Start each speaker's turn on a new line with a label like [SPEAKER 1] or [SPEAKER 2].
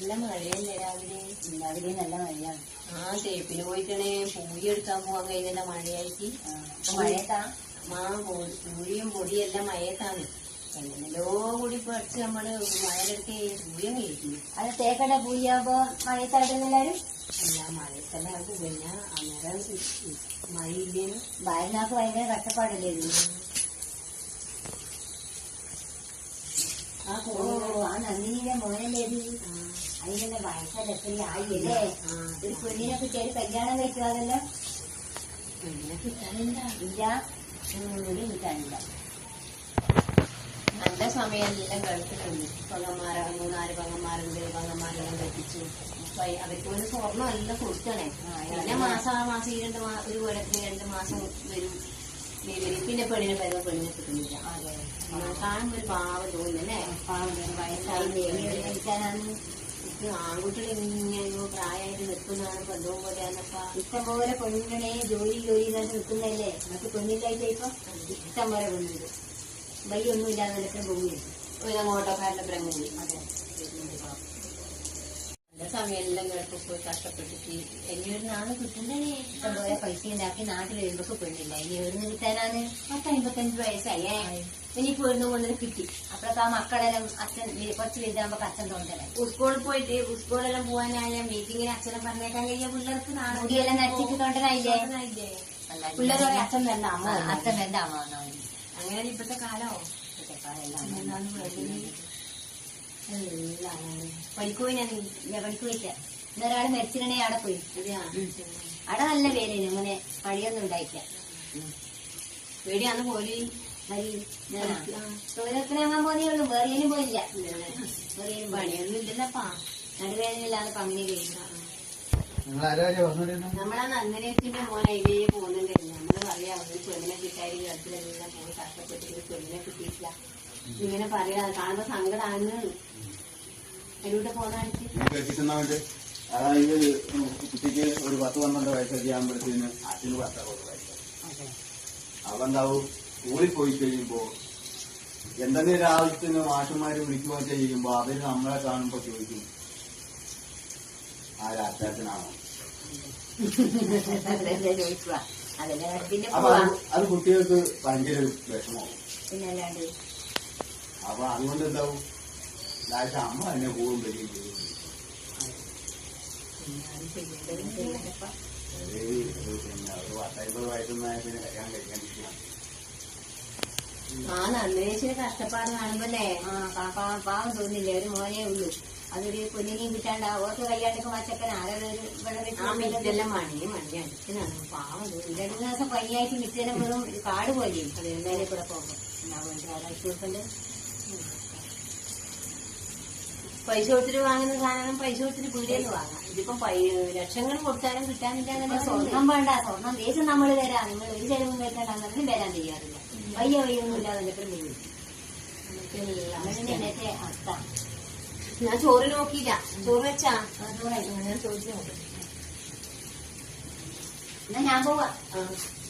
[SPEAKER 1] നല്ല മഴയല്ലേ രാവിലെ?
[SPEAKER 2] രാവിലെ നല്ല മഴയാണ്.
[SPEAKER 1] തേപ്പിന് പോയിട്ടണേ പൂരി എടുക്കാൻ പോവാൻ കഴിഞ്ഞ മഴയായിട്ട്.
[SPEAKER 2] മഴയത്താ
[SPEAKER 1] പൂരിയും പൊടിയെല്ലാം മഴയത്താണ്. എങ്ങനെല്ലോ കൂടി പഠിച്ച് നമ്മള് മഴയിലൊക്കെ പൂരിയും കഴിക്കുന്നു.
[SPEAKER 2] അത് തേക്കട പൂരിയാകുമ്പോ മഴയത്താടുന്നെല്ലാരും
[SPEAKER 1] അല്ല മഴയത്തെല്ലാം ആകും. പിന്നെ അന്നേരം മഴയില്ലേനും
[SPEAKER 2] ഭാര്യനാക്ക് ഭയങ്കര കഷ്ടപ്പാടല്ലേ ഇത്. ആ നന്ദിനിയുടെ മോനല്ലേ ഇത്. അതിന്റെ വയസ്സല്ല എത്ര ആയില്ലേ. ഒരു പെണ്ണിനെ കിട്ടിയാൽ കല്യാണം കഴിക്കാതല്ലോ.
[SPEAKER 1] പെണ്ണിനെ കിട്ടാനില്ല.
[SPEAKER 2] ഇല്ല, ഒരു കിട്ടാനില്ല.
[SPEAKER 1] നല്ല സമയമെല്ലാം ഗൾഫിലുണ്ട്. പങ്ങന്മാര 3-4 പങ്ങന്മാരുണ്ട്. പങ്ങന്മാരെല്ലാം കെട്ടിച്ചു. അവർക്ക് ഒരു സ്വർണ്ണം എല്ലാം കൊടുക്കണേ. പിന്നെ മാസം ഈ 1 കൊല്ലത്തിന് 2 മാസം വരും. പിന്നെ പെണ്ണിനെ വരുമ്പോ പെണ്ണിനെ കിട്ടുന്നില്ല. കാണുമ്പോ ഒരു പാവം തോന്നുന്നല്ലേ.
[SPEAKER 2] വയസ്സായി
[SPEAKER 1] ആൺകുട്ടികൾ ഇങ്ങനെ പ്രായമായിട്ട് നിൽക്കുന്നതാണ് ബന്ധവും പോലെയാണപ്പാ.
[SPEAKER 2] ഇഷ്ടം പോലെ പെണ്ണിനെ ജോലി നിൽക്കുന്നതല്ലേ. നമുക്ക് പെണ്ണില്ലായിട്ട് ഇപ്പൊ ഇഷ്ടം പോലെ പെണ്ണുണ്ട്. വയ്യൊന്നും ഇല്ലാതെ നിൽക്കുന്ന ഭൂമി
[SPEAKER 1] ഒരു ഓട്ടോക്കാരുടെ ബ്രഹ്മൂലി.
[SPEAKER 2] അതെ,
[SPEAKER 1] നല്ല സമയമെല്ലാം ഗൾഫിൽ പോയി കഷ്ടപ്പെട്ടിട്ട് ഇനിയൊരു നാള് കിട്ടുന്നേ.
[SPEAKER 2] ഇഷ്ടം പോലെ പൈസ ഉണ്ടാക്കി നാട്ടിൽ വരുമ്പോ പെണ്ണില്ല. ഇനി എവിടുന്ന് കിട്ടാനാണ്? 55 വയസ്സായേ. ഇനി പെണ്ണു കൊണ്ടിന് കിട്ടി. അപ്പോഴൊക്കെ ആ മക്കളെല്ലാം അച്ഛൻ കുറച്ച് വലുതാകുമ്പോ അച്ഛൻ തോന്നലേ.
[SPEAKER 1] സ്കൂളിൽ പോയിട്ട് സ്കൂളെല്ലാം പോകാനായ മീറ്റിങ്ങിന് അച്ഛനെ പറഞ്ഞേക്കാൻ കഴിയാ പിള്ളേർക്ക്
[SPEAKER 2] മുടിയെല്ലാം നരച്ചിട്ട് തോണ്ടനായില്ലേ.
[SPEAKER 1] പിള്ളേർ അച്ഛൻ വേണ്ട അമ്മ,
[SPEAKER 2] അച്ഛൻ വേണ്ട അമ്മ.
[SPEAKER 1] അങ്ങനെ ഇപ്പത്തെ കാലമോ.
[SPEAKER 2] പണിക്ക് പോയില്ല. ഇന്നൊരാള് മരിച്ചിരണേ അവിടെ പോയി. അവിടെ നല്ല പേരേനു. അങ്ങനെ പണിയൊന്നും ഉണ്ടായില്ല.
[SPEAKER 1] പേടിയാന്ന് പോലി
[SPEAKER 2] തൊഴിലൊക്കെ പോന്നേ ഉള്ളൂ. വേറെയും പോയില്ല.
[SPEAKER 1] പണിയൊന്നും ഇല്ലല്ലപ്പാ.
[SPEAKER 2] നടുവേദനയില്ലാതെ പങ്ങനെ കഴിയും.
[SPEAKER 1] നമ്മളാ നന്ദനത്തിന്റെ മോൻ അതിലേ പോകുന്നുണ്ടായിരുന്നു. നമ്മള് പറയാ ഒരു പെണ്ണിനെ കിട്ടായി ഗൾഫിലെല്ലാം പോയി കഷ്ടപ്പെട്ടിട്ട് പെണ്ണിനെ കിട്ടിയിട്ടില്ല. ഇങ്ങനെ പറയാ കാണുമ്പോ സങ്കടമാണ്. അതിലൂടെ പോകാനായിട്ട്
[SPEAKER 3] അതായത് കുട്ടിക്ക് ഒരു 10-12 വയസ്സൊക്കെ ആകുമ്പോഴത്തേന് അച്ഛന് 10-60 വയസ്സ്. അതെന്താവും സ്കൂളിൽ പോയി കഴിയുമ്പോ എന്തെങ്കിലും ഒരു ആവശ്യത്തിന് മാഷന്മാര് വിളിക്കുകയോ ചെയ്യുമ്പോ അവര് നമ്മളെ കാണുമ്പോ ചോദിക്കും, ആരാച്ചാച്ചനാണോ? അപ്പൊ അത് കുട്ടികൾക്ക് ഭയങ്കര വിഷമമാവും.
[SPEAKER 2] പിന്നല്ലാണ്ട്
[SPEAKER 3] അപ്പൊ അതുകൊണ്ട് എന്താവും, ലാസ്റ്റ് അമ്മ തന്നെ പോകും വരികയും ചെയ്യും. പിന്നെ ഒരു 10-50 വയസ്സൊന്നായ പിന്നെ കല്യാണം കഴിക്കാണ്ടിരിക്കുകയാണ്.
[SPEAKER 1] നന്ദിനേച്ചിന് കഷ്ടപ്പാട് കാണുമ്പോല്ലേ
[SPEAKER 2] പാവം തോന്നില്ല. ഒരു മോനേ ഉള്ളൂ. അതൊരു പൊന്നിനെയും കിട്ടാണ്ട് ഓർക്ക് കല്യാണക്ക് മച്ചക്കൻ
[SPEAKER 1] ആരെല്ലാം മണി അടിക്കനാണ്. പാവം തോന്നി.
[SPEAKER 2] 2 ദിവസം പനിയായിട്ട് മിച്ചേനെ വെറും കാട് പോലെ. അത് എന്തായാലും കൂടെ പോകുമ്പോ കൊടുക്കണ്ട്.
[SPEAKER 1] പൈസ കൊടുത്തിട്ട് വാങ്ങുന്ന സാധനം പൈസ കൊടുത്തിട്ട് പീടിയെന്ന് വാങ്ങാം. ഇതിപ്പോ ലക്ഷങ്ങൾ കൊടുത്താലും കിട്ടാനില്ല.
[SPEAKER 2] സ്വർണം വേണ്ട. സ്വർണം ദേശം നമ്മൾ തരാം. നിങ്ങൾ ഒരു ചെലവും കേൾക്കാണ്ടെന്നും വരാൻ ചെയ്യാറില്ല. വയ്യൊന്നും ഇല്ലാതെ അങ്ങനത്തെ അവസ്ഥ.
[SPEAKER 1] ഞാൻ ചോറ് നോക്കിയില്ല. ചോറ് വെച്ചാ ഞാൻ ചോദിച്ചു നോക്കാം.
[SPEAKER 2] എന്നാ ഞാൻ പോവാ.